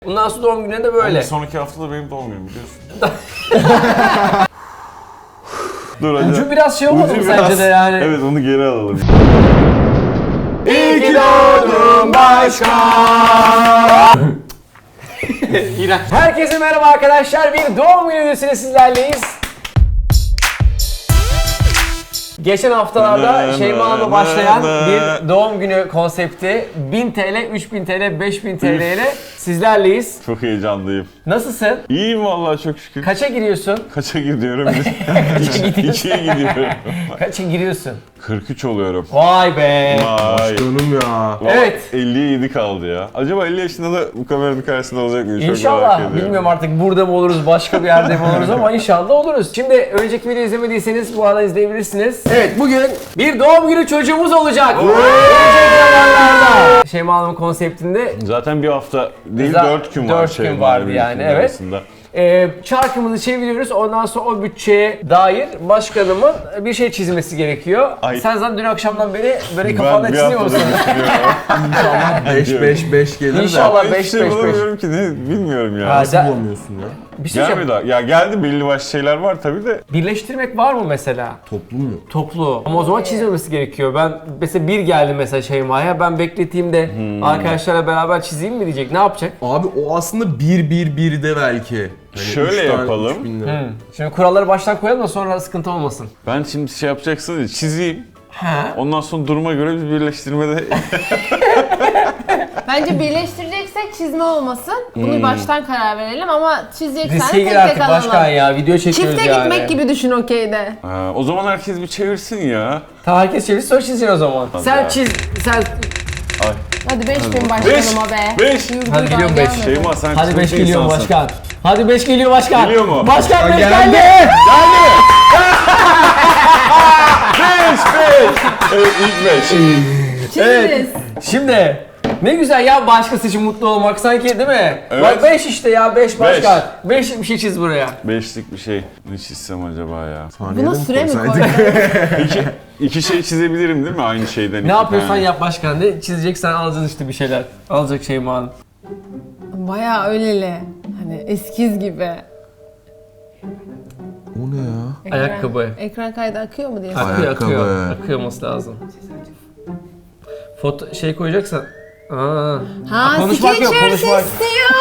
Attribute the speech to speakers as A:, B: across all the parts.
A: Bundan sonra doğum gününe de böyle.
B: Bir sonraki hafta da benim doğum günüm biliyorsun. Dur hadi.
A: Ucu biraz şey olmadı mı sence de yani?
B: Evet, onu geri alalım.
A: İyi ki doğdun başkan. İğrenç. Herkese merhaba arkadaşlar. Bir doğum günü videosuyla sizlerleyiz. Geçen haftalarda Şeyma Hanım'la başlayan bir doğum günü konsepti 1000 TL, 3000 TL, 5000 TL ile sizlerleyiz.
B: Çok heyecanlıyım.
A: Nasılsın?
B: İyiyim vallahi, çok şükür.
A: Kaça giriyorsun?
B: Kaça gidiyorum?
A: Kaça gidiyorsun?
B: 2'ye gidiyorum.
A: Kaça giriyorsun?
B: 43 oluyorum.
A: Vay be.
B: Vay.
C: Canım ya.
B: Vallahi
A: Evet.
B: 50'ye 7 kaldı ya. Acaba 50 yaşında da bu kameranın karşısında olacak mıyım? Çok merak
A: İnşallah.
B: ediyorum.
A: Bilmiyorum artık burada mı oluruz, başka bir yerde mi oluruz ama inşallah oluruz. Şimdi önceki videoyu izlemediyseniz bu arada izleyebilirsiniz. Evet, bugün bir doğum günü çocuğumuz olacak. Gelecek zamanlarda. Şeyma Hanım'ın konseptinde
B: Zaten bir hafta değil,
A: Güzel,
B: 4 gün var.
A: 4 gün vardı yani, evet.
B: Arasında.
A: çarkımızı çeviriyoruz. Ondan sonra o bütçeye dair başkanımın bir şey çizmesi gerekiyor.
B: Ay.
A: Sen zaten dün akşamdan beri böyle kafanda
B: Ben bir
A: çiziyor
B: haftadır
A: musun?
B: düşünüyorum.
C: 5-5-5 gelir de.
A: İnşallah.
B: Hiçbir şey
A: 5-5-5.
B: bulamıyorum ki, ne bilmiyorum ya.
A: Ha,
C: Nasıl bulamıyorsun ya?
A: Bir şey
B: Gelmedi
A: söyleyeceğim.
B: daha. Ya geldi, belli başlı şeyler var tabii de.
A: Birleştirmek var mı mesela?
C: Toplum mu?
A: Toplu. Ama o zaman çizmemesi gerekiyor. Ben mesela bir geldi mesela Şeyma'ya. Ben bekleteyim de arkadaşlarla beraber çizeyim mi diyecek. Ne yapacak?
C: Abi o aslında 1-1-1'de belki. Hani
B: Şöyle
C: 3 tane,
B: yapalım.
C: 3000 lira.
A: Şimdi kuralları baştan koyalım da sonra sıkıntı olmasın.
B: Ben şimdi şey yapacaksın diye çizeyim.
A: Ha.
B: Ondan sonra duruma göre bir birleştirmede
D: Bence birleştireceksek çizme olmasın. Bunu baştan karar verelim ama çizeceksen
A: Riske
D: tek
A: gir
D: tek
A: artık başkan
D: alalım.
A: ya. Video çekiyoruz
D: Çifte
A: yani.
D: gitmek gibi düşün okeyde.
B: Ha, o zaman herkes bir çevirsin ya.
A: Tamam, herkes çevir sonra çizeceksin o zaman. Sen
B: ya.
A: çiz, sen...
B: Ay.
D: Hadi 5000 başkanıma be.
B: 5.
D: Yurdu
A: Hadi
D: daha
A: gidiyorum 5.
D: gelmedi.
B: Şeyma, sen
A: Hadi 5
B: çılgın
A: geliyor
B: insansın.
A: başkan. Hadi 5 geliyor başkan.
B: Geliyor mu?
A: Başkan 5
C: geldi.
A: geldi.
B: 5. Evet, ilk 5.
D: Çiziniz.
A: Şimdi ne güzel ya başkası için mutlu olmak sanki, değil mi?
B: Evet.
A: Bak 5 işte ya, 5 başkan. 5'lik bir şey çiz buraya.
B: 5'lik bir şey. Ne çizsem acaba ya?
C: Saniyede
D: Buna süre mi
C: koysaydık?
D: koydun?
B: İki şey çizebilirim değil mi? Aynı şeyden.
A: Ne
B: iki
A: yapıyorsan
B: tane.
A: yap başkan. Ne çizeceksen alacaksın işte bir şeyler. Alacak Şeyma Hanım.
D: Bayağı öyleli. Hani eskiz gibi.
C: O ne ya?
A: Ayakkabı.
D: Ekran kaydı akıyor mu diye.
A: Akıyor,
C: Ayakkabı.
A: akıyor olması lazım. Foto şey koyacaksan. Aa.
D: Ha,
A: konuşmak
D: skeç
A: yok, konuşmak.
D: istiyor.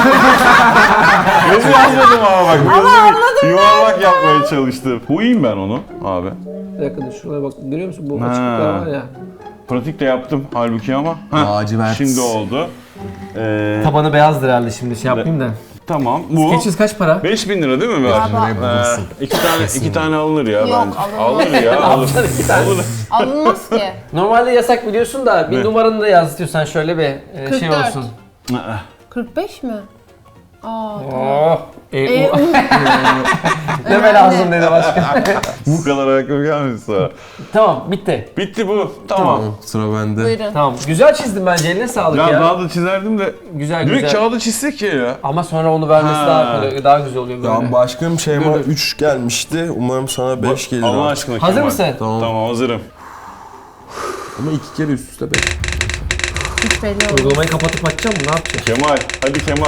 B: Yazı yazmadım ama bak. Yazı yuvarlak yapmaya çalıştım. Koyayım ben onu abi.
A: Bir dakika dur, şuraya bak, görüyor musun bu
B: Ha.
A: açıklıklar var ya.
B: Pratik de yaptım halbuki ama. Heh,
C: Lacivert.
B: Şimdi oldu.
A: Tabanı beyazdır herhalde, şimdi şey yapayım da.
B: Tamam. Bu
A: Skeçiz kaç para?
B: 5.000 lira değil mi?
D: Galiba.
B: İki tane alınır ya
D: Yok,
B: bence.
D: alınmaz.
B: Alınır ya. Alınır. Alınır.
D: Alınmaz ki.
A: Normalde yasak biliyorsun da bir
B: Ne?
A: numaranı da yaz istiyorsan şöyle bir şey
D: 44.
A: olsun.
D: 45 mi? Aa.
A: Oh.
D: E,
A: Deme lazım dedi başkan.
B: Bu kadar ayakkabı gelmedi sana.
A: Tamam, bitti.
B: Bitti bu. Tamam.
C: Sıra bende.
D: Buyurun.
A: Tamam, güzel çizdim bence, eline sağlık
B: Ya
A: ya.
B: daha da çizerdim de.
A: Güzel
B: Direkt
A: güzel.
B: kağıda çizsek ya.
A: Ama sonra onu vermesi
B: Ha.
A: daha kolay, daha güzel oluyor böyle.
C: Ya başkanım Şeyma
A: Dur.
C: 3 gelmişti. Umarım sana 5 gelir.
B: Allah
C: abi.
B: aşkına
A: Hazır
B: Kemal.
A: mısın?
C: Tamam.
B: Tamam, hazırım.
C: Ama 2 kere üst üste 5.
D: Hiç belli olmaz.
A: Uygulamayı kapatıp açacağım mı? Ne yapacağım?
B: Kemal. Hadi Kemal.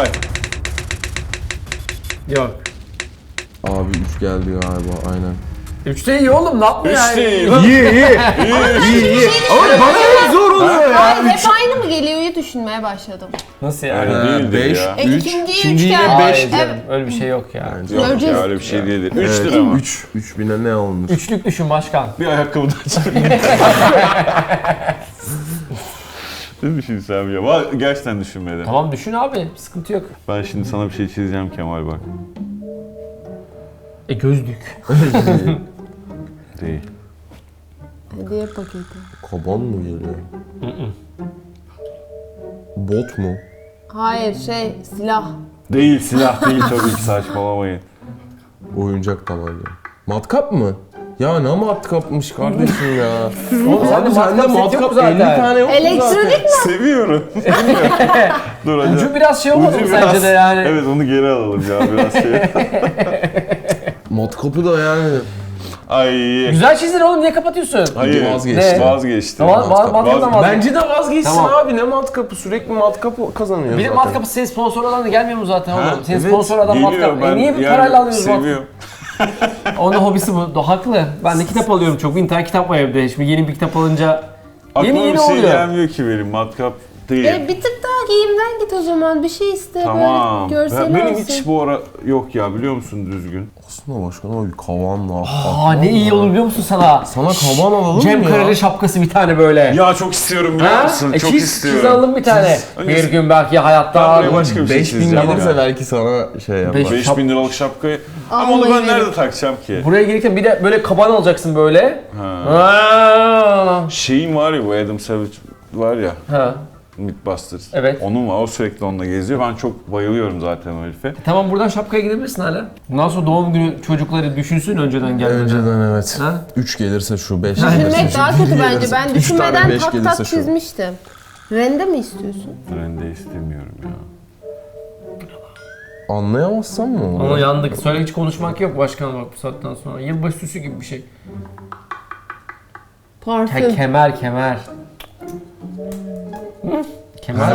A: Yok.
C: Abi 3 geldi galiba aynen.
A: 3'te iyi oğlum, ne yapmıyor yani?
B: Üçte iyi lan.
C: İyi iyi.
B: İyi.
C: Ama bana hep zor oluyor ya.
D: Hayır, hep aynı mı geliyor diye düşünmeye başladım.
A: Nasıl yani?
B: Öyle değildir
C: beş.
B: ya.
D: İkinciye 3
C: ikinciye
D: geldi.
A: Hayır
C: beş.
A: canım,
D: Evet.
A: öyle bir şey yok ya.
B: Yok
D: Göreceğiz.
B: ya, öyle bir şey değildir. 3
C: Evet,
B: lira ama.
C: 3000'e ne alınır?
A: Üçlük düşün başkan.
B: Bir ayakkabı daha çizeyim. Ne düşünsem ya? Gerçekten düşünmedim.
A: Tamam düşün abi, sıkıntı yok.
B: Ben şimdi sana bir şey çizeceğim Kemal, bak.
A: Gözlük.
B: Değil.
D: Hediye paketi.
C: Kaban mı geliyor? Bot mu?
D: Hayır, silah.
B: Değil, silah değil tabii ki, saçmalamayın.
C: Oyuncak tabanca. Matkap mı? Ya ne matkapmış kardeşim ya.
A: Oğlum
C: Abi sende matkap 50 tane yok mu
D: Elektronik mi?
B: Seviyorum. Dur hadi.
A: Ucu biraz şey olmadı mı
B: Ucu
A: sence de yani?
B: Evet, onu geri alalım ya, biraz şey.
C: Matkapı da yani
B: Ay.
A: Güzel çizdin oğlum, niye kapatıyorsun?
B: Hayır.
C: Vazgeçtim.
A: Ne?
B: Vazgeçtim.
A: Matkaptan vazgeç.
C: Bence de vazgeçsin
A: Tamam.
C: abi, ne matkapı, sürekli matkap kazanıyor
A: Bir de
C: zaten.
A: matkapı senin sponsor adam da gelmiyor mu zaten
B: Ha,
A: oğlum? Senin
C: evet.
A: sponsor adam
B: Geliyor,
A: matkap.
B: ben
A: Niye bir
B: yani
A: parayla alıyoruz matkap?
B: seviyorum.
A: Onun hobisi bu. Haklı. Ben de kitap alıyorum çok. 1000 tane kitap var evde. Şimdi yeni bir kitap alınca
B: Aklıma
A: yeni
B: bir şey
A: oluyor.
B: gelmiyor ki benim, matkap değil.
D: Bir tık daha giyimden git o zaman. Bir şey iste
B: Tamam.
D: böyle görseli
B: Benim
D: olsun.
B: hiç bu ara yok ya, biliyor musun, düzgün.
C: Aslında başkanım bir kavan da.
A: Aa ne iyi olur biliyor musun sana?
C: Sana kavan alalım
A: Cem
C: mı ya?
A: Kareli şapkası bir tane böyle.
B: Ya çok istiyorum, biliyor musun? Çok
A: çiz
B: istiyorum.
A: alalım bir tane.
B: Önce-
A: Bir gün belki hayatta...
B: Ben buraya başka bir şey
C: 5000
B: çizeceğim
C: gelirse
B: ya.
C: belki sana şey yapar.
B: 5000 liralık şapkayı. Ama onu
D: Vallahi
B: ben nerede
D: benim.
B: takacağım ki?
A: Buraya gelirken bir de böyle kaban alacaksın böyle.
B: Ha.
A: Ha.
B: Şeyim var ya, bu Adam Savage var ya.
A: Ha.
B: Mythbusters.
A: Evet.
B: Onun var. O sürekli onunla geziyor. Ben çok bayılıyorum zaten o herife.
A: Tamam buradan şapkaya gidebilirsin hala. Bundan sonra doğum günü çocukları düşünsün önceden gelmeden.
C: Önceden evet.
A: Ha?
C: 3 gelirse şu, 5 gelirse
D: Düşünmek
C: şu,
D: daha
C: bir
D: kötü
C: gelirse-
D: bence. Ben
C: 3 tane
D: düşünmeden
C: 5
D: tak
C: gelirse
D: tak
C: şu.
D: çizmiştim. Rende mi istiyorsun?
B: Ben de istemiyorum ya.
C: Anlayamazsam mı olur?
A: Ama yandık. Söyle hiç konuşmak yok başkanım bak bu saatten sonra. Yılbaşı süsü gibi bir şey.
D: Parfüm.
A: Kemer. Hı? Kemer mi?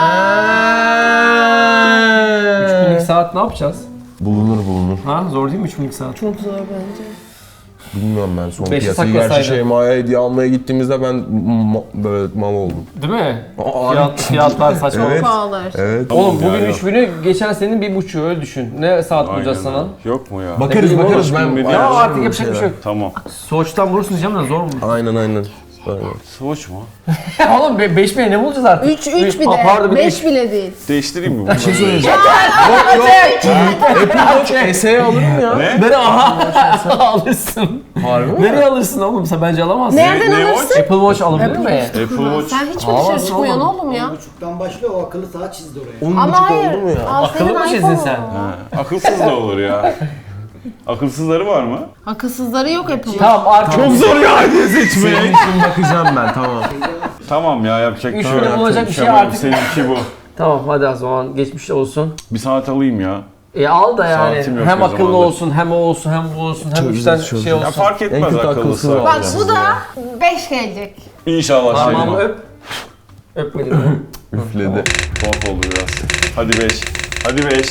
A: 3000'lik saat ne yapacağız?
C: Bulunur.
A: Ha zor değil mi 3000'lik saat?
D: Çok zor bence.
C: Bilmiyorum ben son
A: Beşi
C: piyasayı.
A: saklasaydın.
C: Gerçi Şeyma'ya hediye almaya gittiğimizde ben böyle mal oldum.
A: Değil mi?
C: Aa,
A: Fiyatlar saçma.
C: Evet.
D: Pahalı.
C: Evet.
A: Oğlum
B: Tamam ya,
A: bugün
B: yok.
A: 3000'ü geçen senenin 1.5'ü öyle düşün. Ne saat bulacağız
B: Aynen
A: sana?
B: öyle. Yok mu ya?
C: Bakarız
A: bileyim
C: bakarız
B: oğlum,
C: ben.
B: şimdi
A: Ya
B: ayarlarım
A: artık yapacak bir şey yok.
B: Tamam.
A: Soğuçtan bulursun diyeceğim de zor mu?
C: Aynen.
B: Swatch mu?
A: Oğlum 5000'e ne bulacağız artık?
D: 3 bir
A: Aa,
D: de.
A: pardon,
D: 5 bile değil.
B: Değiştireyim mi bunu?
C: Bir şey söyleyeceğim. Apple Watch SE alırım ya.
B: Ne?
A: Nereye alırsın?
C: Harbi mi?
A: Nereye alırsın oğlum? Sen bence alamazsın.
D: Nereden
B: ne
D: alırsın?
A: Apple Watch alabilir mi?
B: Apple Watch.
D: Sen hiç mi
A: Alamazsın
D: dışarı çıkmıyorsun
A: oğlum.
D: oğlum ya?
E: 10.30'dan başlıyor, o akıllı saat çizdi oraya.
C: 10.5
D: Ama hayır.
C: oldu mu ya?
D: Al
A: Akıllı
D: senin
A: mı çizdin
D: iPhone'un.
A: sen?
B: Ha, akılsız da olur ya. Akılsızları var mı?
D: Akılsızları yok Apple'ın.
A: Tamam artık.
C: Çok zor ya seçmek. Senin için bakacağım ben, tamam.
B: Tamam ya, yapacak bir
A: Üç
B: şey
A: lira
B: yok.
A: bulacak bir şey
B: Tamam,
A: artık.
B: Seninki bu.
A: Tamam hadi o zaman geçmiş olsun.
B: Bir saat alayım ya.
A: Al da yani
B: Saatim yok
A: hem
B: o
A: akıllı
B: zamanlar.
A: olsun hem o olsun hem bu olsun hem
C: Çözeceğiz,
A: 3 tane
C: çözeceğiz.
A: şey
B: Ya
A: olsun.
B: fark etmez
C: En kötü
B: akıllısı.
C: akılsız var.
D: Bak bu da 5 gelecek.
B: İnşallah
A: Parmağımı
B: şey.
A: öp. Öpmedim mi?
C: Üfledi.
B: Tuhaf oldu biraz. Hadi 5. Hadi 5.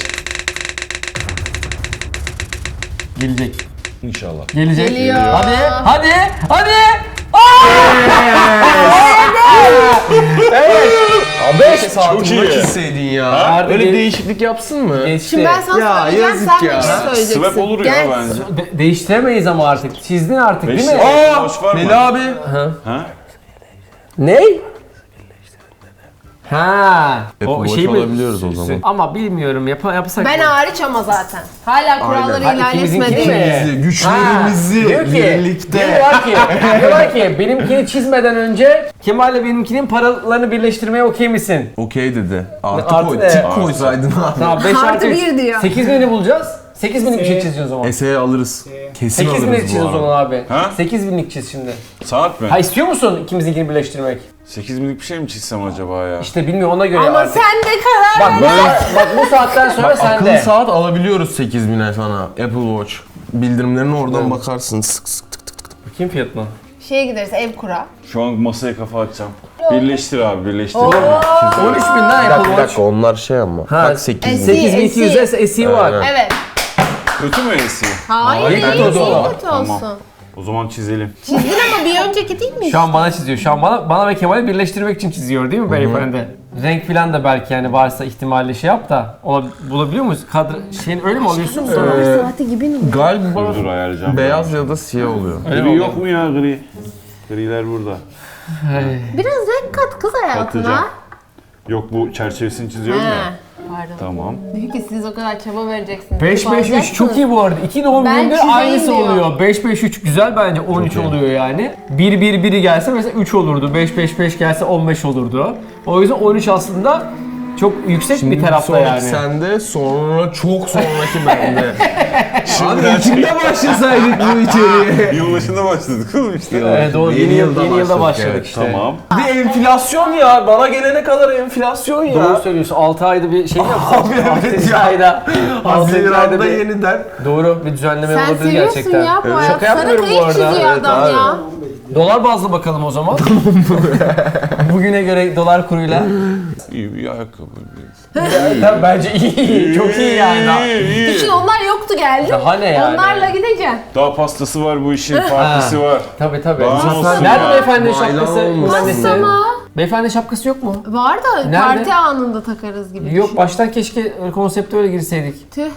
A: Gelecek.
B: İnşallah.
A: Gelecek.
D: Geliyor.
A: Hadi.
C: Beş
B: Çok
C: saatini
B: iyi.
C: çizseydin ya.
A: Nerede
C: Öyle
A: gel-
C: değişiklik yapsın mı?
A: Geçti.
D: Şimdi ben sana
C: Ya,
D: söyleyeceğim,
C: yazık
D: sen
C: ya.
D: bir şey söyleyeceksin.
B: Swap olur ya
D: Gel.
B: bence.
A: Değiştiremeyiz ama artık. Çizdin artık değil mi?
B: Beş-
C: Aa!
B: Boş var mı?
C: Meli abi.
B: Ha?
A: Ne? Ha.
C: Apple Watch alabiliyoruz o zaman.
A: Ama bilmiyorum yapsak.
D: Ben hariç ama zaten. Hala kuralları
A: Aynen.
D: ihlal
A: İkimizinki
D: etmedi
A: mi?
D: mi?
C: Güçlerimizi, güçlerimizi
A: Diyor ki,
C: birlikte.
A: diyorlar ki benimkini çizmeden önce Kemal'le benimkinin paralarını birleştirmeye okey misin?
C: Okey dedi. Artı
A: Artı
C: koy.
A: ne?
C: Tik koysaydın abi.
A: Tamam 5
D: Artı
A: artı
D: 1 diyor.
A: 8.000'i bulacağız. 8.000'lik bir şey çizeceğiz o zaman.
C: SE alırız. Kesin
A: 8.000'lik
C: alırız
A: çiz
C: bu
A: o zaman
C: arada.
A: abi.
B: Ha?
A: 8.000'lik çiz şimdi.
B: Saat mi?
A: Ha istiyor musun ikimizinkini birleştirmek?
B: 8000'lik bir şey mi çizsem acaba ya?
A: İşte bilmiyorum ona göre
D: Ama
A: artık.
D: sen de karar
A: Bak,
D: ver.
A: bak bu saatten sonra
C: Bak, akıllı
A: sende.
C: saat alabiliyoruz 8000'e sana. Apple Watch. Bildirimlerine oradan bakarsın. Sık sık tık tık.
A: Bakayım fiyatına.
D: Şeye gideriz, ev kura.
B: Şu an masaya kafa atacağım. Birleştir abi, birleştir.
A: 13.000'den Apple Watch.
C: onlar şey ama.
A: Ha,
C: Bak 8000.
A: 8200'e SE var.
C: Aynen.
D: Evet.
B: Kötü mü esi?
D: Hayır,
A: Hayır,
D: iyi,
A: kötü olsun.
D: iyi kötü
B: Tamam.
D: olsun.
B: O zaman çizelim.
D: Çizdin ama bir önceki değil mi?
A: Şu an bana çiziyor. Şu an bana ve Kemal'i birleştirmek için çiziyor değil mi beyefendi? Renk falan da belki yani varsa ihtimalle şey yap da bulabiliyor muyuz? Şeyin öyle mi alıyorsun?
D: Saati gibi mi?
C: Galiba
B: Dur ayarlayacağım.
C: beyaz ya da siyah oluyor.
A: Öyle mi
B: Gri
A: oluyor?
B: yok mu ya, gri? Griler burada.
D: Biraz renk kat kız hayatına.
B: Katacağım. Yok, bu çerçevesini çiziyorum ya.
D: He. Pardon.
B: Tamam.
D: Diyor ki siz o kadar çaba vereceksiniz.
A: 5-5-3 çok iyi bu arada. İki doğum
D: Ben
A: gününde
D: çizeyim
A: aynısı
D: diyor.
A: oluyor. 5-5-3 güzel bence 13
C: Çok iyi.
A: oluyor yani. 1-1-1'i gelse mesela 3 olurdu. 5-5-5 gelse 15 olurdu. O yüzden 13 aslında çok yüksek
C: Şimdi
A: bir tarafta
C: sonraki
A: yani.
C: sende, sonra çok sonraki bende. Abi içinde başlasaydık bu içeriye.
B: Yılbaşında başladık oğlum işte.
A: Evet, doğru.
C: Yeni
A: Yeni
C: yılda
A: yılda
C: başladık,
A: başladık
C: evet.
A: işte.
B: Tamam.
C: Bir enflasyon ya. Bana gelene kadar enflasyon ya.
A: Doğru söylüyorsun. 6 ayda bir şey mi yapsak?
C: Abi evet
A: 6.
C: ya.
A: ayda. 6. ayda
C: Haziran'da
A: bir...
C: yeniden.
A: Doğru, bir düzenleme
D: Sen
A: olabilir
D: seviyorsun
A: gerçekten.
D: ya bu
C: Evet.
D: hayat.
A: Şaka
D: Sana
A: yapmıyorum bu
D: kayık
A: arada.
D: çiziyor
C: Evet
D: adam
C: abi.
D: ya.
A: Dolar bazlı bakalım o zaman. Bugüne göre dolar kuruyla.
B: İyi bir ayakkabı.
A: Tabii bence iyi. Çok iyi yani.
D: Düşün onlar yoktu geldi.
A: Daha ne yani?
D: Onlarla gideceksin.
B: Daha pastası var bu işin, partisi var.
A: Tabii tabii.
B: Daha ne olsun
A: Nerede
B: ya?
A: beyefendi
C: Maylan
A: şapkası?
C: olmasın.
A: Annesi.
D: Ama
A: Beyefendi şapkası yok mu?
D: var da
A: Nerede?
D: parti anında takarız gibi.
A: Yok,
D: düşün.
A: baştan keşke konsepte öyle girseydik.
D: Tüh.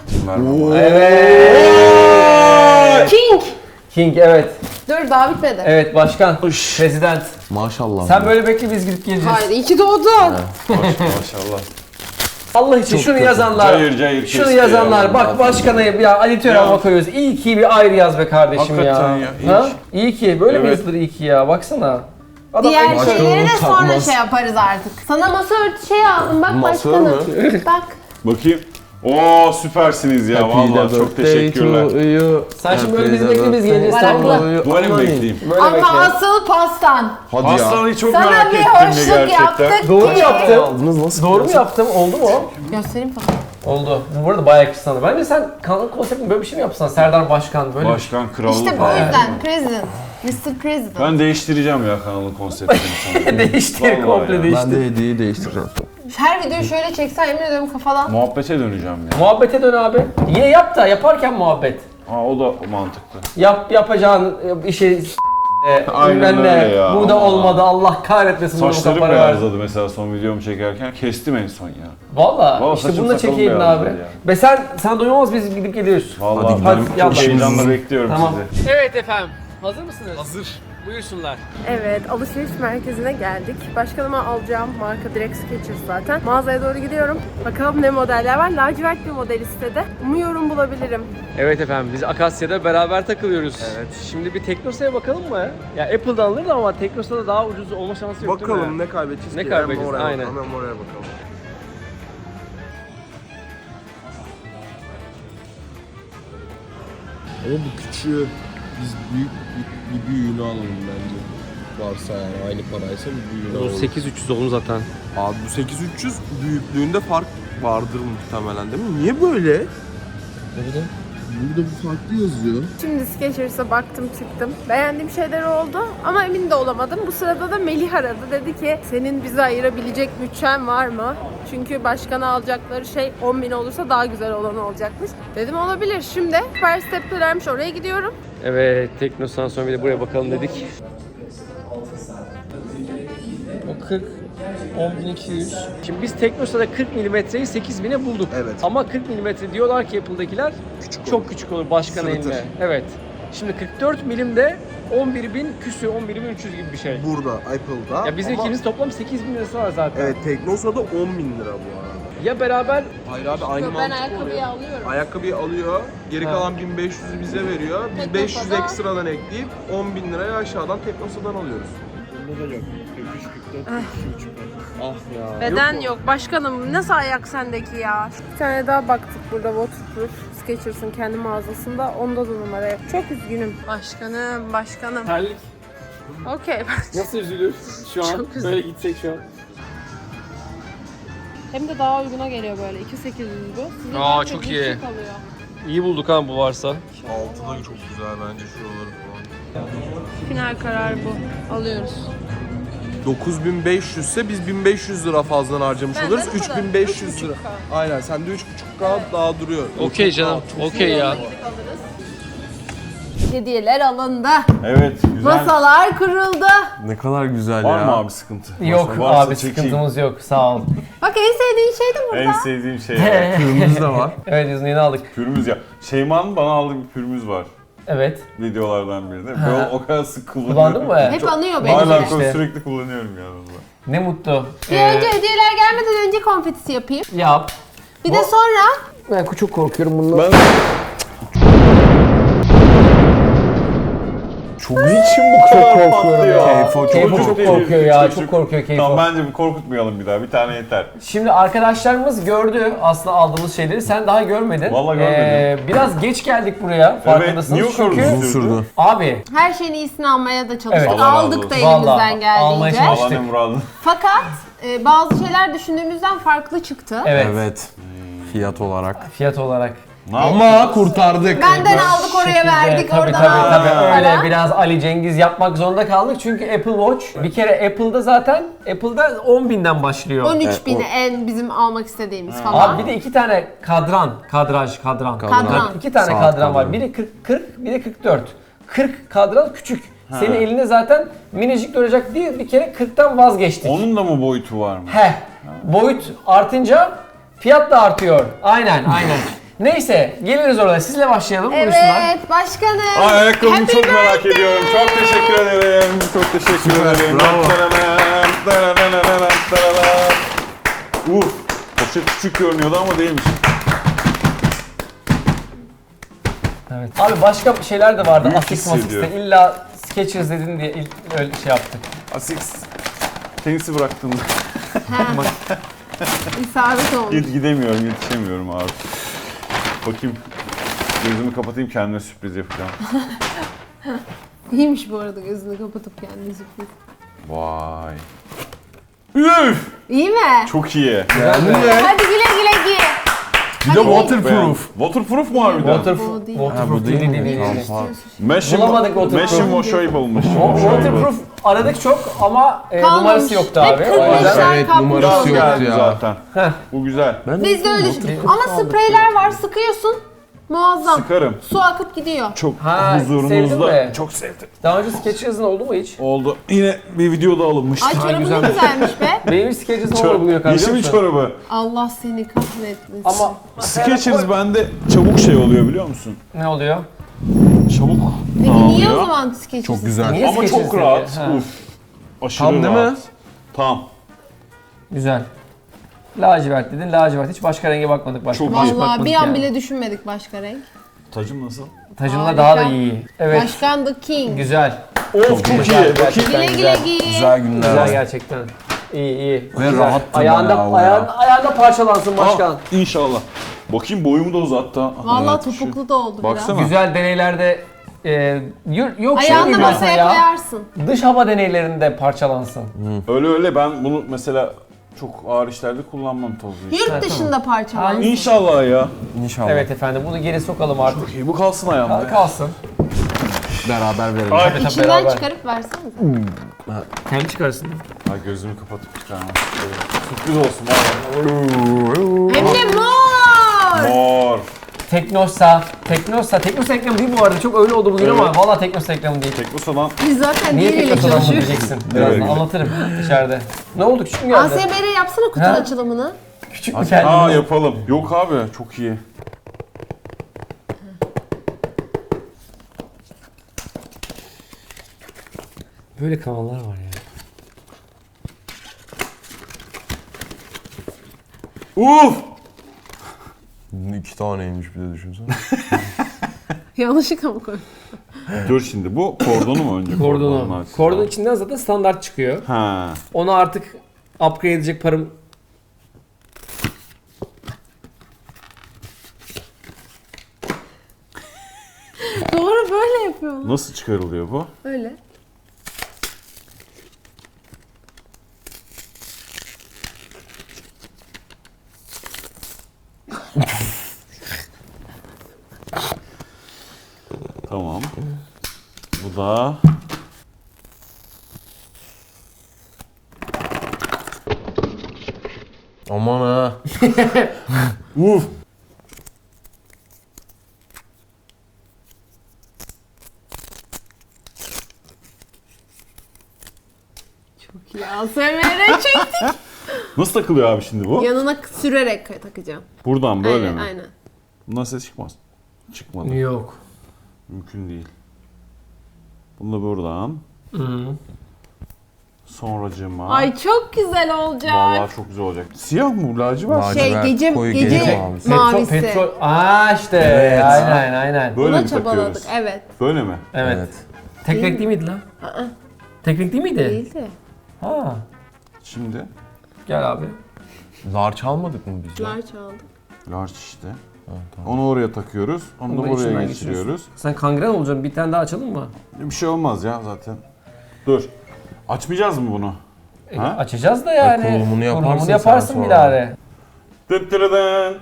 D: King.
A: King, evet.
D: Dur daha bitmedi.
A: Evet, başkan. Prezident.
C: Maşallah.
A: Sen böyle bekle, biz gidip geleceğiz.
D: Hayır iyi ki doğdun.
B: Maşallah.
A: Allah için şunu
C: kötü.
A: yazanlar.
B: Cayır cayır
A: Şunu
B: kesti
A: yazanlar.
B: ya.
A: Bak başkana ya aditör
B: Ya.
A: hava koyuyoruz. İyi ki bir ayrı yaz be kardeşim
B: Hakikaten
A: ya.
B: ya, iyi
A: Ha?
B: ki.
A: İyi ki. Böyle mi
B: Evet.
A: yazılır iyi ki ya? Baksana. Adam
D: Diğer
C: Başka
D: şeyleri
C: onu
D: de sonra
C: takmaz.
D: şey yaparız artık. Sana masa örtü şey aldım bak
C: Masa
D: başkanım.
C: mı?
D: Bak.
B: Bakayım. Oo süpersiniz ya vallahi çok teşekkürler.
A: Sen şimdi böyle bizi bekle, biz geleceğiz, tamam mı?
B: Böyle mi bekleyeyim?
A: Böyle
D: Ama
A: bekle.
D: asıl pastan.
C: Hadi ya.
B: Hastanıyı çok
D: Sana
B: merak
D: bir
B: ettim ya
D: hoşluk
B: gerçekten.
D: yaptık
A: Doğru mu
D: ki.
A: yaptım?
C: Aldınız nasıl?
A: Doğru mu yaptım? Oldu mu?
D: Göstereyim falan.
A: Oldu. Bu arada bayağı yakıştı sana. Bence sen kanal konseptini böyle bir şey mi yapsan? Serdar Başkan böyle.
B: Başkan krallık.
D: İşte bu yüzden President. Mr. President.
B: Ben değiştireceğim ya kanalın konseptini sana.
A: Değiştir,
B: Vallahi
A: komple
B: ya.
A: değiştir.
C: Ben de hediyeyi değiştireceğim.
D: Her videoyu şöyle çeksen yemin ediyorum kafadan.
B: Muhabbete döneceğim ya.
A: Muhabbete dön abi. Yine yap da yaparken muhabbet.
B: Ha o da mantıklı.
A: Yapacağın işi
B: Aynen
A: bilmem ne.
B: öyle ya.
A: Bu da
B: Ama-
A: olmadı. Allah kahretmesin. bunu
B: Saçlarım
A: para ver.
B: beyazladı mesela son videomu çekerken. Kestim en son ya.
A: Valla
B: Vallahi
A: işte
B: saçım
A: bunu da
B: sakalım
A: çekeydin
B: beyazladı
A: abi.
B: ya.
A: Ve sen doyamaz, biz gidip geliyoruz.
B: Vallahi
C: Hadi
B: ben
C: gidelim.
A: Yallah.
B: çok heyecanla bekliyorum
A: Tamam.
B: sizi.
A: Evet efendim. Hazır mısınız? Hazır. Buyursunlar.
F: Evet, alışveriş merkezine geldik. Başkanıma alacağım marka direkt Skechers zaten. Mağazaya doğru gidiyorum. Bakalım ne modeller var. Lacivert bir model istedi. Umuyorum bulabilirim.
A: Evet efendim, biz Akasya'da beraber takılıyoruz. Evet. Şimdi bir Teknosa'ya bakalım mı? Ya Apple'dan alırdı ama Teknosa'da daha ucuz olma şansı yok değil mi?
C: Bakalım ne kaybedeceğiz
A: Ne
C: ki?
A: kaybedeceğiz,
C: Hem oraya
A: aynen.
C: bakalım, hem oraya bakalım. Ama bu küçüğü biz bir büyüğünü alalım bence. Varsa yani aynı paraysa bir büyüğünü alalım.
A: 8300 oldu zaten.
C: Abi bu 8300 büyüklüğünde fark vardır muhtemelen değil mi? Niye böyle?
A: Ne bileyim.
C: Burada bu farklı yazıyor.
F: Şimdi Skechers'a baktım çıktım. Beğendiğim şeyler oldu ama emin de olamadım. Bu sırada da Melih aradı. Dedi ki senin bize ayırabilecek bütçen var mı? Çünkü başkana alacakları şey 10.000 olursa daha güzel olan olacakmış. Dedim olabilir. Şimdi Super Step'telermiş, oraya gidiyorum.
A: Evet, Teknosa'dan sonra bir de buraya bakalım dedik. O 40, 10.200. Şimdi biz Teknosa'da 40 milimetreyi 8.000'e bulduk.
C: Evet.
A: Ama 40 milimetre diyorlar ki Apple'dakiler çok küçük olur başkan
C: Sırıtır.
A: eline. Evet. Şimdi 44 milimde 11.000 küsür, 11.300 gibi bir şey.
C: Burada Apple'da.
A: Ya bizim ikimiz toplam 8.000 lirası var zaten.
C: Evet, Teknosa'da 10.000 lira bu arada.
A: Ya beraber
C: Hayır abi aynı
F: Ben
C: mantık
F: ayakkabıyı
C: oluyor.
F: alıyorum.
C: Ayakkabıyı alıyor, geri
A: Ha.
C: kalan 1500'ü bize veriyor. Biz
F: Teknosa'da-
C: 500 ekstradan ekleyip 10.000 liraya aşağıdan Teknosa'dan alıyoruz. Ah ya.
F: Beden yok. Başkanım nasıl ayak sendeki ya? Bir tane daha baktık burada Waterproof Skechers'ın kendi mağazasında. Onda da numara yok. Çok üzgünüm. Başkanım.
A: terlik
F: Okey.
A: nasıl üzülür şu an?
F: Çok
A: Böyle gitsek şu an.
F: Hem de daha uyguna geliyor böyle. 2.800 bu. Size
A: Aa,
F: daha
A: çok
F: bir
A: iyi.
F: şey kalıyor.
A: İyi bulduk ha bu varsa.
C: Altı da çok güzel bence şuraları falan.
F: Final karar bu. Alıyoruz.
C: 9500 ise biz 1500 lira fazladan harcamış
F: Benden
C: oluruz.
F: o kadar.
C: 3500 lira.
F: 3.5K.
C: Aynen sende 3.5K daha duruyor.
A: Okey canım, okey ya.
D: Hediyeler alındı.
B: Evet güzel.
D: Masalar kuruldu.
C: Ne kadar güzel
B: Var
C: ya.
B: mı abi sıkıntı?
A: Yok
B: Varsa
A: abi,
B: çekeyim.
A: sıkıntımız yok, sağ ol.
D: Bak en sevdiğin şey de burada.
B: En sevdiğim şey. ya.
C: Kırmızı da var.
A: Evet, İzmir'i aldık.
B: Pürmüz ya. Şeyma'nın bana aldığı bir pürmüz var.
A: Evet.
B: Videolardan birinde. Ben o kadar sık kullanıyorum.
A: Kullandın mı?
D: Hep anıyor beni.
B: Hala
A: işte.
B: sürekli kullanıyorum ya. vallahi.
A: Ne mutlu.
D: Bir önce hediyeler gelmeden önce konfetisi yapayım.
A: Yap.
D: Bir de sonra
A: Ben çok korkuyorum bundan.
B: Çok niçin bu kadar patlıyor?
A: Keyfo çok korkuyor ya, çok korkuyor Keyfo.
B: Tamam bence bir korkutmayalım bir daha. Bir tane yeter.
A: Şimdi arkadaşlarımız gördü aslında aldığımız şeyleri. Sen daha görmedin.
B: Vallahi görmedim.
A: Biraz geç geldik buraya. Farkındasınız.
B: niye o kadar
A: Çünkü
B: uzun sürdü?
A: abi
F: Her şeyin iyisini almaya da çalıştık.
A: Evet.
B: Allah razı
F: Aldık da
B: olsun.
A: Vallahi,
F: elimizden
A: almaya
F: geldiğince.
A: çalıştık.
B: Allah ne muradı.
F: Fakat bazı şeyler düşündüğümüzden farklı çıktı.
A: evet,
C: Evet. Fiyat olarak.
A: fiyat olarak.
B: Ne yaptın?
C: Ama kurtardık.
F: Benden aldık oraya
A: Şekilde,
F: verdik
A: tabii,
F: oradan
A: tabii,
F: aldık
A: tabii. Öyle
F: falan.
A: biraz Ali Cengiz yapmak zorunda kaldık çünkü Apple Watch bir kere Apple'da 10.000'den başlıyor.
F: 13.000'i en bizim almak istediğimiz falan.
A: Abi bir de iki tane kadran.
F: Kadran.
A: İki tane
C: Saat
A: kadran var.
C: kadranı.
A: Biri 40, biri 44. 40 kadran küçük. Senin elinde zaten minicik duracak diye bir kere 40'tan vazgeçtik.
B: Onun da mı boyutu var mı?
A: Boyut artınca fiyat da artıyor. Aynen. Neyse geliriz orada. Sizle başlayalım. Buyursunlar.
F: Evet başkanım.
B: Ayakkabımı
F: Happy
B: çok merak
F: birthday.
B: ediyorum. Çok teşekkür ederim. Çok teşekkür ederim.
C: bravo.
B: Uf. Poşet küçük görünüyordu ama değilmiş.
A: Evet. Abi başka şeyler de vardı.
B: Büyük
A: Asics
B: hissediyor.
A: Masix'te. İlla Skechers dedin diye öyle şey yaptık.
B: Asics. Tenisi bıraktım.
F: İsabet olmuş.
B: Gidemiyorum, yetişemiyorum abi. Bakayım. Gözümü kapatayım kendime sürpriz yapacağım.
F: İyiymiş bu arada gözünü kapatıp kendini sürpriz.
B: Vay. Üf!
F: İyi mi?
B: Çok iyi.
F: Hadi güle güle giy.
C: Bir de waterproof.
B: Waterproof mu harbiden?
A: Waterproof
F: Bu değil.
A: waterproof değil. Bulamadık waterproof.
B: Washable.
A: Waterproof aradık çok ama
F: Kalmamış.
A: numarası yoktu
F: Hep
A: abi. O
F: kırmızı.
A: yüzden
C: Evet
F: Kapmış.
C: numarası
B: Biraz
C: yoktu
B: geldi
C: ya.
B: zaten.
A: Heh.
B: Bu güzel.
F: Biz de öyle düşündük. Ama spreyler var sıkıyorsun. Muazzam.
B: Sıkarım.
F: Su akıp gidiyor.
B: Çok
A: Ha, sevdin
B: huzurunuzda.
A: mi?
B: Çok sevdim.
A: Daha önce Skechers'ın oldu mu hiç?
B: Oldu. Yine bir videoda alınmıştı.
F: Ay çorabı ne
A: güzel.
F: güzelmiş be.
A: Benim hiç Skechers'ın olmadı bugüne kadar. biliyor
B: Yeşil
A: musun?
B: çorabı.
F: Allah seni kahretmesin.
A: Ama
B: Skechers bende çabuk şey oluyor biliyor musun?
A: ne oluyor?
B: Çabuk
F: Peki niye o
B: dağılıyor.
F: zaman Skechers?
C: Çok güzel.
A: Niye
B: Ama
A: Skechers
B: çok
A: dedi?
B: rahat.
A: Ha.
B: Uf. Aşırı
C: Tam değil
B: rahat.
C: mi?
B: Tam.
A: Güzel. Lacivert dedin, lacivert. Hiç başka renge bakmadık. Başka
B: Çok
A: bir şey
F: Vallahi
A: bakmadık
F: bir an
A: yani.
F: bile düşünmedik başka renk.
B: Tacım nasıl?
A: Tacınla
F: Harika.
A: daha da iyi. Evet.
F: Başkan the King.
A: Güzel.
B: Of çok iyi.
A: Güzel,
B: Bakayım.
F: Güle güle giy.
C: Güzel günler.
A: Güzel gerçekten. İyi.
C: Ve
A: Güzel.
C: rahattı
A: Ayağında,
C: bayağı o
A: ayağında parçalansın başkan.
B: İnşallah. Bakayım boyumu da uzattı. ha.
F: Vallahi
B: Evet, şu-
F: topuklu da oldu
B: Baksana.
F: biraz.
A: Güzel deneylerde yok şey
F: Ayağını
A: gibi
F: masaya
A: mesela ya.
F: koyarsın.
A: Dış hava deneylerinde parçalansın.
B: Öyle ben bunu mesela çok ağır işlerde kullanmam tozluyu.
F: Yurt dışında parçalansın.
B: İnşallah ya.
C: İnşallah.
A: Evet efendim bunu geri sokalım artık.
B: Çok iyi. Bu kalsın ayağımda.
A: Kalsın.
C: Beraber verelim.
B: Ay.
A: Tabii,
F: İçinden
A: beraber.
F: çıkarıp versenize.
A: Kendi çıkarsın.
B: Ay gözümü kapatıp çıkarmam. Sürpriz olsun. Var.
F: Hem de mor.
B: Mor.
A: Teknosa reklamı değil bu arada. Çok öyle oldu bugün ama valla Teknosa reklamı değil.
B: Teknosa'dan
F: Biz zaten
A: Niye
F: diğeriyle
A: Teknosa'dan mı
F: çalışıyoruz.
A: diyeceksin? Birazdan
B: Evet.
A: anlatırım içeride. Ne oldu küçük mü geldi?
F: ASMR yapsana kutu
A: Ha?
F: açılımını.
A: Küçük mü geldi?
B: Aa yapalım. Yok abi çok iyi.
A: Böyle kanallar var ya.
B: Uf!
C: 2 taneymiş bir de düşünsene.
F: Yanlışlıkla mı koydun?
B: Dur şimdi bu kordonu mu önce?
A: Kordonu.
B: açsın.
A: Kordon içinden zaten standart çıkıyor.
B: Ha.
A: Onu artık upgrade edecek param...
F: Doğru böyle yapıyorlar.
B: Nasıl çıkarılıyor bu?
F: Öyle.
B: Tamam. Bu da
C: Aman ha.
B: uf.
F: Çok iyi. ASMR çektik.
B: Nasıl takılıyor abi şimdi bu?
F: Yanına sürerek takacağım.
B: Buradan böyle
F: aynen,
B: mi?
F: Aynen.
B: Bundan ses çıkmaz. Çıkmadı.
A: Yok.
B: Mümkün değil. Bunu da buradan. Sonracığıma.
F: Ay çok güzel olacak.
B: Vallahi çok güzel olacak. Siyah mı bu lacivert?
C: Lacivert,
F: gece
C: koyu
F: gece
C: gece mavisi.
F: mavisi.
A: Aa işte.
C: Evet.
A: Aynen.
B: Böyle
F: Buna
B: mi
F: çabaladık.
B: takıyoruz?
F: Evet.
B: Böyle mi?
A: Evet. Tek renk değil miydi lan? Tek renk değil miydi?
F: Değildi.
A: Ha.
B: Şimdi
A: Gel abi.
C: Large almadık mı biz?
F: Large aldık.
B: large işte. Onu oraya takıyoruz. Onu da
A: Bunu
B: buraya
A: içinden
B: geçiriyoruz.
A: Sen kangren olacaksın. Bir tane daha açalım mı?
B: Bir şey olmaz ya zaten. Dur. Açmayacağız mı bunu? Ha?
A: Açacağız da yani.
C: kurulumunu yaparsın
A: Kurulumunu yaparsın
C: sen sonra.
A: Bilare.
B: Dıttırıdın.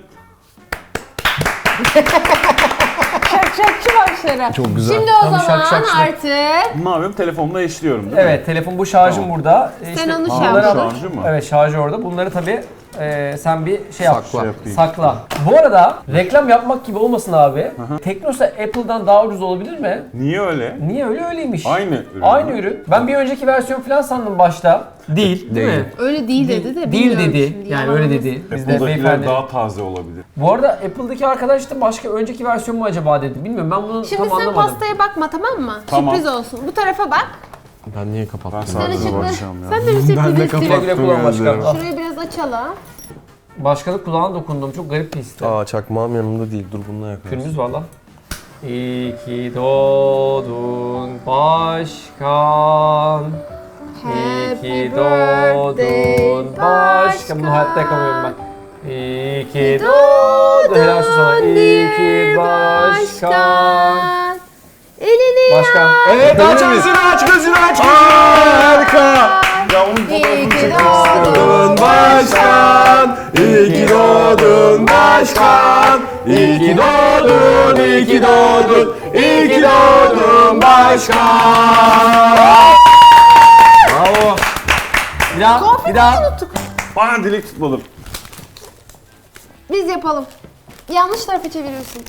F: Şakşakçı başları.
C: Çok güzel.
F: Şimdi o
A: Tam
F: zaman
A: şak.
F: artık
B: Ne yapıyorum? Telefonla eşliyorum değil mi?
A: Evet, telefon bu şarjım
B: Tamam.
A: burada.
F: Sen onu
A: bunları
F: şarj
A: al-
B: Şarjı mı?
A: Evet, şarjı orada. Bunları tabii sen bir şey yap.
C: Sakla.
B: Şey yapayım.
A: Sakla. Bu arada reklam yapmak gibi olmasın abi. Teknosa Apple'dan daha ucuz olabilir mi?
B: Niye öyle?
A: Niye öyle öyleymiş?
B: Aynı ürün.
A: Aynı ürün. Ben bir önceki versiyon falan sandım başta. Değil mi?
F: öyle değil dedi de
A: Değil
F: bilmiyorum
A: dedi.
F: şimdi,
A: Yani
F: yalan
A: öyle
F: olmasın.
A: dedi. Biz de
B: Apple'dakiler
A: beyefendi.
B: daha taze olabilir.
A: Bu arada Apple'daki arkadaş da başka önceki versiyon mu acaba dedi. Bilmiyorum, ben bunu
F: Şimdi
A: tam
F: sen
A: anlamadım.
F: pastaya bakma, tamam mı?
B: Tamam.
F: Sürpriz olsun. Bu tarafa bak.
C: Ben niye
B: Ben
C: kapattım?
F: Sen
B: sadece
F: ışıkları.
B: bakacağım ya.
F: Sen de bir sürpriz
C: Ben de
F: istiyorsun.
A: Güle güle kullan başkan.
C: gözlerimi.
A: Al.
F: Şurayı biraz açalım.
A: Başkanın kulağına dokundum. Çok garip bir histi.
C: Aa çakmağım yanımda değil. Dur bununla yakarız.
A: Günümüz var lan. İyi ki doğdun başkan. İyi
F: Happy
A: ki
F: birthday
A: doğdun başkan. Bunu hayatta yapamıyorum ben. İyi ki doğdun. Helal olsun sana. İyi ki başkan.
F: Elini
A: Başkan. Evet, aç gözünü, aç gözünü, aç gözünü.
B: Harika! Ya onun
F: İyi
B: fotoğrafını
F: ki
B: çekmek
F: doğdun.
B: istiyorum.
C: Başkan, iyi ki doğdun başkan. İyi ki doğdun, iyi ki doğdun, iyi ki doğdun başkan.
A: Bravo. Bir daha, bir daha.
F: unuttuk.
B: Bana dilek tutmadım.
F: Biz yapalım. Yanlış tarafa çeviriyorsun.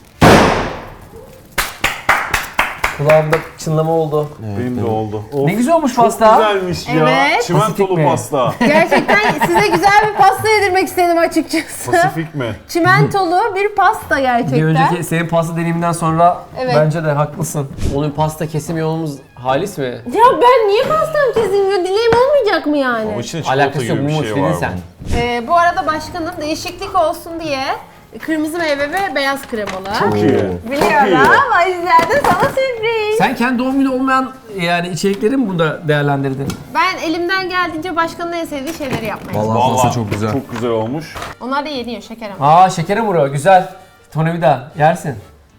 A: Kulağımda çınlama oldu.
B: Benim de oldu. Of,
A: Ne güzel olmuş
B: çok
A: pasta.
B: güzelmiş ya.
F: Evet.
B: Çimentolu
A: Pasifik mi?
B: pasta.
F: Gerçekten size güzel bir pasta yedirmek istedim açıkçası.
B: Pasifik mi?
F: Çimentolu bir pasta
A: Bir
F: gerçekten.
A: önceki senin pasta deneyiminden sonra
F: Evet.
A: bence de haklısın. Onun pasta kesim yolumuz halis mi?
F: Ya ben niye pastam kesilmiyor? Dileğim olmayacak mı yani?
B: O içinde çikolata
A: Alakası yok,
B: gibi bir
A: Mumut
B: şey
A: dedin
B: var
A: sen.
B: bunun.
F: Bu arada başkanım değişiklik olsun diye kırmızı meyve ve beyaz kremalı.
B: Çok iyi.
F: Biliyorum. O yüzden de sana sürpriz.
A: Sen kendi doğum günü olmayan yani içerikleri mi bunda değerlendirdin?
F: Ben elimden geldiğince başkanın en sevdiği şeyleri yapmaya çalışıyorum.
C: Vallahi pasta
B: Vallahi
C: çok güzel.
B: Çok güzel olmuş.
F: Onlar da yeniyor şeker ama.
A: Aa, şekere vuruyor, güzel. Tornavida yersin.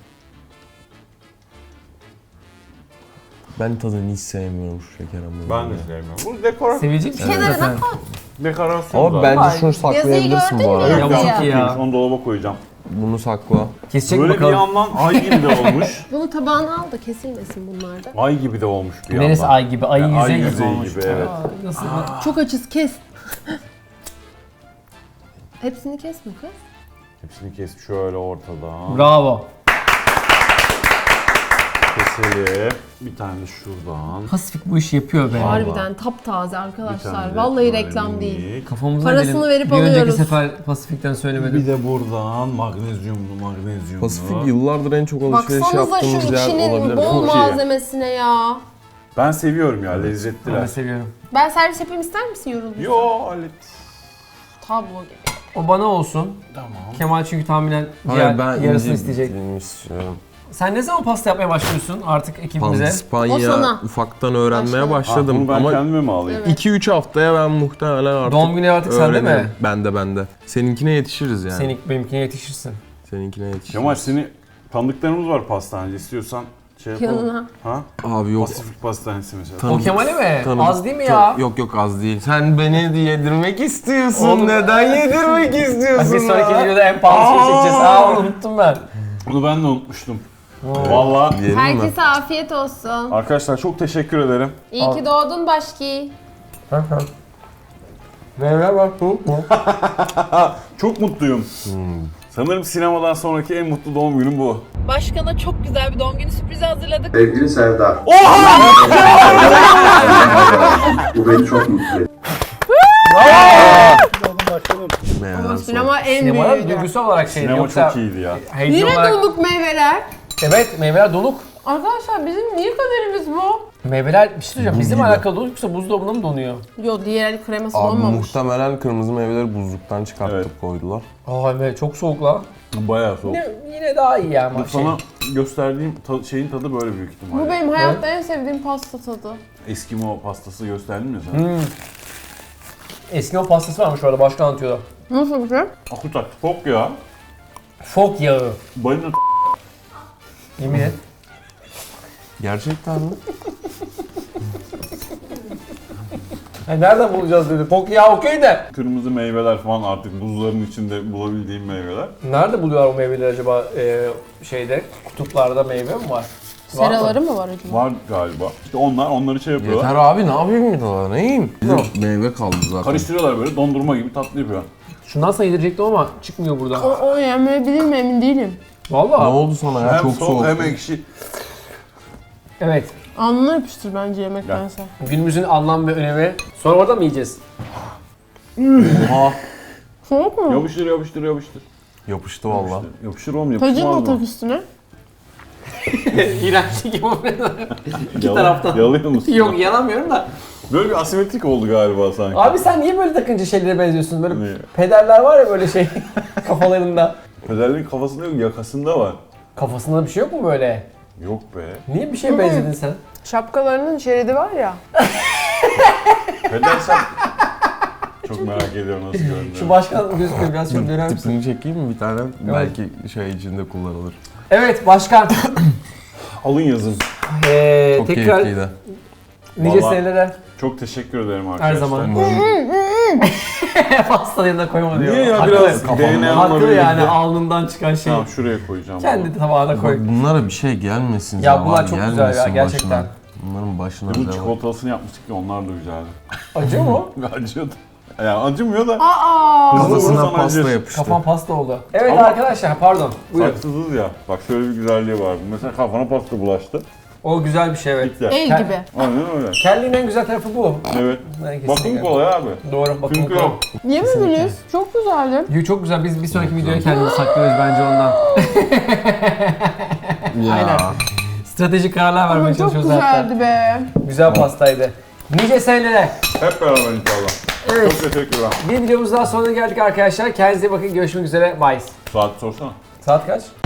C: Ben tadını hiç sevmiyorum şu şeker hamurunu.
B: Ben de sevmiyorum. Bu dekorasyon.
A: Sevecek misin
F: Kenarına
A: zaten?
F: koy.
B: Dekorasyon
C: Ama
B: zaten.
C: bence şunu saklayabilirsin
F: gördün
C: bu
F: mü?
C: arada.
A: Yavuz
F: Ya.
A: iki ya.
B: Onu dolaba koyacağım.
C: Bunu sakla.
A: Kesecek
B: Böyle
A: bakalım.
B: bir yandan ay gibi de olmuş.
F: Bunu tabağına al da kesilmesin bunlar da.
B: Ay gibi de olmuş bir yandan.
A: Neresi ay gibi? Ayın
B: Yani ay
A: yüzeyi gibi
B: yüzeyi
A: olmuş.
B: gibi, evet.
A: Aa, nasıl?
F: Çok açız, kes. Hepsini kesme kız.
B: Hepsini kes şöyle ortadan.
A: Bravo.
B: Keselim. Bir tane de şuradan.
A: Pasifik bu işi yapıyor be.
F: Harbiden taptaze
B: Bir
F: arkadaşlar.
B: tane de
F: Vallahi
B: böyle
F: reklam değil.
B: minik.
A: Kafamıza
F: Parasını
A: edelim.
F: verip
A: Bir önceki
F: alıyoruz.
A: sefer Pasifik'ten söylemedim.
B: Bir de buradan magnezyumlu.
C: Pasifik yıllardır en çok alışveriş
F: Baksanıza şu
C: yaptığımız yer
F: içinin
C: olabilir.
F: bol
B: Çok iyi.
F: malzemesine ya.
B: Ben seviyorum ya,
A: Ben
B: lezzetliler.
A: de seviyorum.
F: Ben servis yapayım, ister misin yorulduysa?
B: Yo hallet.
F: Tablo gibi.
A: O bana olsun.
B: Tamam.
A: Kemal çünkü tahminen
C: Hayır ben
A: yarısını
C: ince
A: isteyecek.
C: dilimli istiyorum.
A: Sen ne zaman pasta yapmaya başlıyorsun artık ekibimize?
F: O
C: Pandispanya
F: sana.
C: ufaktan öğrenmeye
F: Başla.
C: başladım
B: Bunu ben
C: ama
B: kendime mi alayım?
F: Evet.
C: 2-3 haftaya ben muhtemelen artık
A: Doğum günü artık sende mi?
C: öğrenirim. Bende. Seninkine yetişiriz yani.
A: Senin benimkine yetişirsin.
C: Seninkine yetişiriz.
B: Kemal seni tanıdıklarımız var pastaneci, istiyorsan şey yapalım.
F: Yanına.
B: Ha?
C: Abi yok.
B: Pasifik pastanesi mesela.
C: Tanıdık-
A: O Kemal'e mi?
C: tanıdık-
A: Az değil mi
C: çok-
A: ya?
C: Yok az değil. Sen beni yedirmek istiyorsun.
A: Oğlum-
C: Neden yedirmek
A: Bak
C: istiyorsun?
A: bir sonraki
C: ya?
A: videoda en pahalı şey çekeceğiz. Aa, unuttum ben.
B: Bunu ben de unutmuştum. Vallahi
C: Diyelim mi?
F: Herkese afiyet olsun.
B: arkadaşlar çok teşekkür ederim.
F: İyi ki doğdun Başki.
A: Meyve bak soğuk mu?
B: Çok mutluyum. Sanırım sinemadan sonraki en mutlu doğum günüm bu.
F: Başkana çok güzel bir doğum günü sürprizi hazırladık.
G: Sevgili Serdar. Bu beni çok mutlu etti.
C: Meyveler
F: Sinema en
A: Sinemada
F: büyüğü.
A: duygusal olarak şeydi.
B: Sinema
A: Yoksa
B: çok iyiydi ya.
A: heyecan
F: Yine
A: olarak...
F: doluk meyveler.
A: Evet, meyveler donuk.
F: Arkadaşlar bizim niye kaderimiz bu?
A: Meyveler bir şey söyleyeceğim. Bizim
C: gibi.
A: alakalı donuk yoksa buzdolabında mı donuyor?
F: Yo, diğer kreması
C: Abi
F: olmamış.
C: muhtemelen kırmızı meyveleri buzluktan çıkartıp
B: Evet.
C: koydular.
A: Aa evet, çok soğuk la.
B: Bayağı soğuk.
A: Yine daha iyi ya ama
B: Bu sana gösterdiğim şeyin tadı böyle büyük ihtimalle.
F: Bu benim hayatta en sevdiğim pasta tadı.
B: Eskimo pastası gösterdim ya sana.
A: Eskimo pastası varmış orada, başka anlatıyordu.
F: Nasıl bir şey?
B: Akutak. Fok ya.
A: Fok yağı.
B: Balina
A: Yemin et.
C: Gerçekten mi?
A: Nereden bulacağız dedi. Fok yağı okey de.
B: kırmızı meyveler falan artık buzların içinde bulabildiğim meyveler.
A: Nerede buluyorlar o meyveleri acaba şeyde? Kutuplarda meyve mi var?
F: Seraları mı var acaba?
B: Var galiba. İşte onları şey yapıyorlar.
C: Yeter abi ne yapayım bir daha ne yiyeyim? Meyve kaldı zaten.
B: Karıştırıyorlar böyle dondurma gibi tatlı yapıyor.
A: Şundan sana yedirecektim ama çıkmıyor burada.
F: O yemeyebilir mi emin değilim.
C: Ne
A: Vallahi.
C: oldu sana ya?
B: Hem
C: Çok soğuk.
B: hem ekşi.
A: Evet.
F: Alnına yapıştır bence yemektense.
A: Günümüzün anlam ve önemi. Sonra orada mı yiyeceğiz?
C: Oha.
F: Soğuk mu?
B: Yapıştır yapıştır yapıştır.
C: Yapıştı valla.
B: Yapışır oğlum
F: Tacın
B: yapışmaz
F: mı
B: mı?
F: tak üstüne?
A: İğrenç gibi oluyor. İki taraftan.
B: Yalıyor musun?
A: Yok yalamıyorum da.
B: Böyle bir asimetrik oldu galiba sanki.
A: Abi sen niye böyle takınca şeylere benziyorsun? Böyle
B: Niye?
A: pederler var ya böyle şey kafalarında.
B: Pederlerin kafasında yok yakasında var.
A: Kafasında bir şey yok mu böyle?
B: Yok be.
A: Niye bir şeye benzedin sen?
F: Şapkalarının şeridi var ya.
B: Peder sen... Çok merak ediyorum nasıl görünüyor.
A: Şu başkan gözüküyor, biraz şöyle döner misin?
C: Tipini çekeyim mi bir tane? Belki şey içinde kullanılır.
A: Evet başkan.
B: Alın yazın.
C: Çok
A: Tekrar
C: keyifliydi.
A: nice
B: Vallahi-
A: senelere
B: Çok teşekkür ederim arkadaşlar.
A: her zaman. Pastanın yanına koyma diyor.
B: Niye ya
A: Haklı.
B: biraz
A: Haklı
B: DNA'mla birlikte.
A: yani alnından çıkan şey.
B: Tamam şuraya koyacağım.
A: Kendi tabağına koy.
C: Bak bunlara bir şey gelmesin.
A: Ya
C: zaman
A: bunlar çok güzel ya,
C: gelmesin
A: gerçekten.
C: başına. Bunların başına
B: Bunun
C: da var.
B: çikolatasını yapmıştık ya onlar da güzeldi.
A: Acıyor mu?
B: Acıyordu. Yani acımıyor da.
F: Aa!
B: Hızlı
C: Kafasına
B: vurursan
C: pasta
B: acır.
C: yapıştı.
A: Kafam pasta oldu. Evet
B: Ama-
A: arkadaşlar pardon. Buyurun.
B: Saksızız ya. Bak şöyle bir güzelliği var. Mesela kafana pasta bulaştı.
A: O güzel bir şey evet.
B: Bitti.
F: El gibi.
B: Aynen öyle.
A: Kelliğin en güzel tarafı bu.
B: Evet.
A: Ben
B: Bakım
A: kesinlikle-
B: kolay abi.
A: Doğru bakım
B: Çünkü
A: kolay.
B: yok.
F: Yemediniz. Çok güzeldi.
A: Yo, çok güzel. Biz bir sonraki videoya kendimizi saklıyoruz bence ondan.
C: Ya.
A: Aynen. Stratejik kararlar
F: Ama
A: vermeye
F: çok
A: çalışıyoruz hatta.
F: güzeldi be.
A: Güzel pastaydı. Nice senelere.
B: Hep beraber inşallah.
A: Evet.
B: Çok teşekkürler.
A: Bir videomuz daha sonuna geldik arkadaşlar. Kendinize iyi bakın. Görüşmek üzere. Bye.
B: Saat sorsana.
A: Saat kaç?